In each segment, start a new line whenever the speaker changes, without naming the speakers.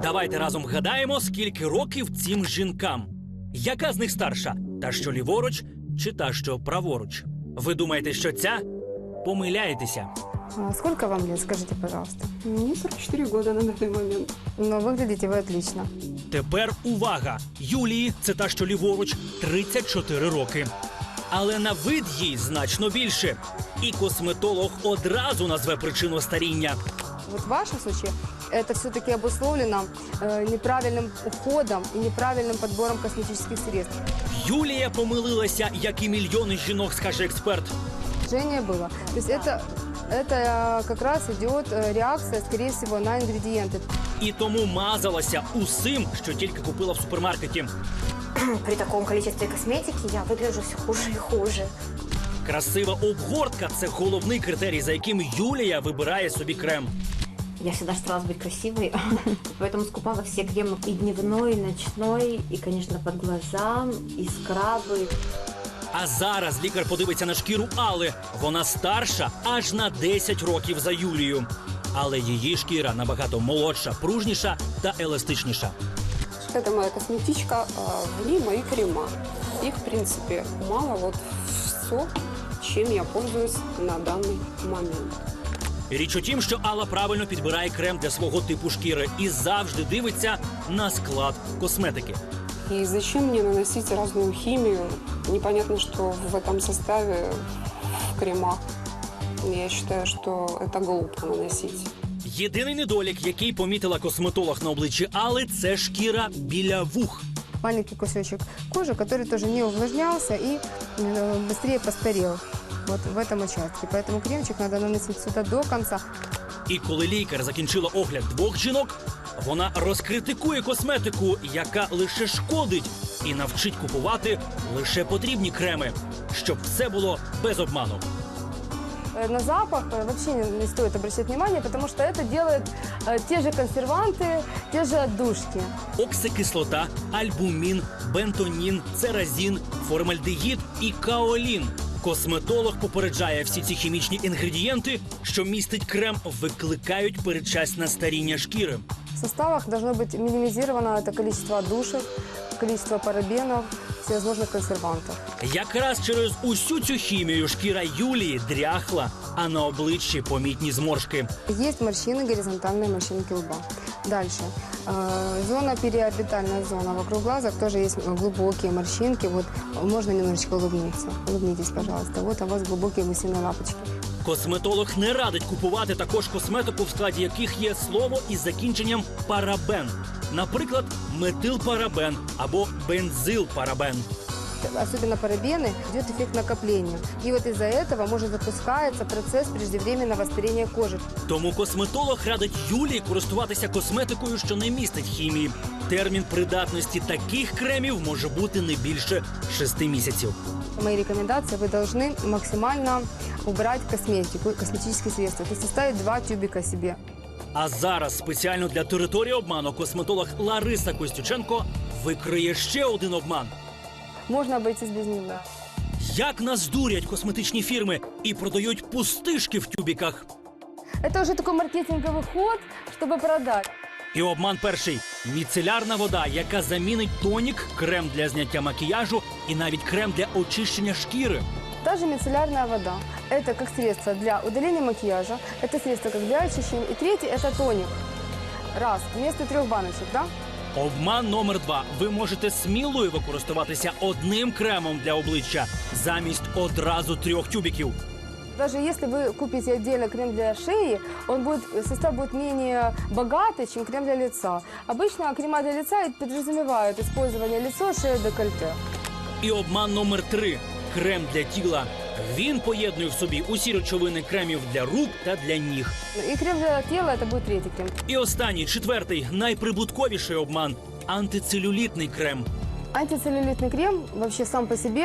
Давайте разом вгадаємо, скільки років цим жінкам. Яка з них старша? Та, що ліворуч, чи та, що праворуч? Ви думаєте, що ця? Помиляєтеся.
Сколько вам лет, скажите, пожалуйста?
Мне 44 года на данный момент.
Но выглядите вы отлично.
Тепер увага! Юлії, це та, що ліворуч, 34 роки. Але на вид їй значно більше. І косметолог одразу назве причину старіння.
Вот в вашем случае это все-таки обусловлено неправильным уходом и неправильным подбором косметических средств.
Юлія помилилася, як і мільйони жінок, скаже експерт.
Жжение было. То есть это как раз идет реакция, скорее всего, на ингредиенты.
І тому мазалася усім, що тільки купила в супермаркеті.
При таком количестве косметики я выгляжу все хуже и хуже.
Красива обгортка – це головний критерій, за яким Юлія вибирає собі крем.
Я всегда старалась быть красивой, поэтому скупала все кремы и дневной, и ночной, и, конечно, под глаза, и скрабы.
А зараз лікар подивиться на шкіру Алли. Вона старша аж на 10 років за Юлію. Але її шкіра набагато молодша, пружніша та еластичніша.
Это моя косметичка, в ней мои крема. Их, в принципе, мало. Вот все, чем я пользуюсь на данный момент.
Річ у тім, що Алла правильно підбирає крем для свого типу шкіри і завжди дивиться на склад косметики.
И зачем мне наносить разную химию? Непонятно, что в этом составе в кремах. Я считаю, что это глупо наносить.
Єдиний недолік, який помітила косметолог на обличчі Алли – це шкіра біля вух.
Маленький кусочек кожи, который тоже не увлажнялся и быстрее постарел. Вот в этом участке. Поэтому кремчик надо наносить сюда до конца.
І коли лікар закінчила огляд двох жінок, вона розкритикує косметику, яка лише шкодить, і навчить купувати лише потрібні креми, щоб все було без обману.
На запах вообще не стоит обращать внимание, потому что это делают те же консерванты, те же отдушки.
Оксикислота, альбумін, бентонін, церазін, формальдегід і каолін. Косметолог попереджає, всі ці хімічні інгредієнти, що містить крем, викликають передчасне старіння шкіри.
В составах должно быть минимизировано это количество отдушек, количество парабенов, всевозможных консервантов.
Якраз через усю цю хімію шкіра Юлії дряхла, а на обличчі помітні зморшки.
Есть морщины, горизонтальные морщинки лба. Дальше. Зона, периорбитальная зона вокруг глазок, тоже есть глубокие морщинки. Вот можно немножечко улыбнуться. Улыбнитесь, пожалуйста. Вот у вас глубокие гусиные лапочки.
Косметолог не радить купувати також косметику, в складі яких є слово із закінченням парабен. Наприклад, метилпарабен або бензилпарабен.
Особенно парабены, идет эффект накопления. И вот из-за этого может запускается процесс преждевременного старения кожи.
Тому косметолог радить Юлії користуватися косметикою, що не містить хімії. Термін придатності таких кремів може бути не більше 6 місяців.
Мои рекомендации: вы должны максимально убрать косметику, косметические средства. То есть оставить 2 тюбика себе.
А зараз спеціально для території обману косметолог Лариса Костюченко викриє ще один обман.
Можно обойтись без него.
Як нас дурять косметичні фірми і продають пустишки в тюбіках.
Это уже такой маркетинговый ход, чтобы продать.
І обман перший – міцелярна вода, яка замінить тонік, крем для зняття макіяжу і навіть крем для очищення шкіри.
Та же мицеллярная вода. Это как средство для удаления макияжа, это средство как для очищения. И третий – это тоник. Раз, вместо 3 баночек, да?
Обман номер 2. Ви можете сміливо користуватися одним кремом для обличчя замість одразу 3 тюбіків.
Даже если вы купите отдельно крем для шеи, состав будет менее богатый, чем крем для лица. Обычно крема для лица подразумевают использование лица, шеи, декольте.
І обман номер 3. Крем для тіла. Він поєднує в собі усі речовини кремів для рук та для ніг.
И крем для тела – это будет третий крем.
І останній, 4-й, найприбутковіший обман – антицелюлітний крем.
Антицеллюлитный крем вообще сам по себе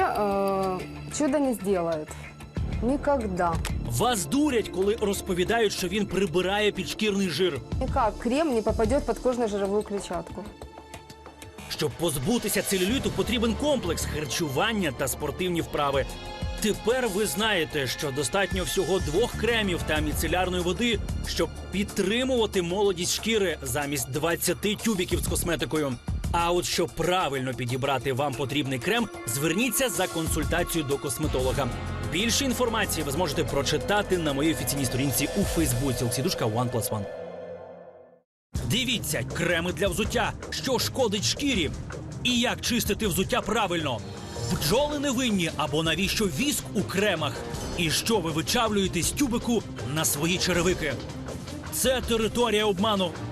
чудо не сделает. Никогда.
Вас дурять, коли розповідають, що він прибирає підшкірний жир.
Никак крем не попадет под кожно-жировую клетчатку.
Щоб позбутися целюліту, потрібен комплекс харчування та спортивні вправи. Тепер ви знаєте, що достатньо всього 2 кремів та міцелярної води, щоб підтримувати молодість шкіри замість 20 тюбіків з косметикою. А от щоб правильно підібрати вам потрібний крем, зверніться за консультацією до косметолога. Більше інформації ви зможете прочитати на моїй офіційній сторінці у Фейсбуці Олексій OnePlus One. Дивіться, креми для взуття, що шкодить шкірі. І як чистити взуття правильно. Бджоли невинні або навіщо віск у кремах? І що ви вичавлюєте з тюбику на свої черевики? Це територія обману.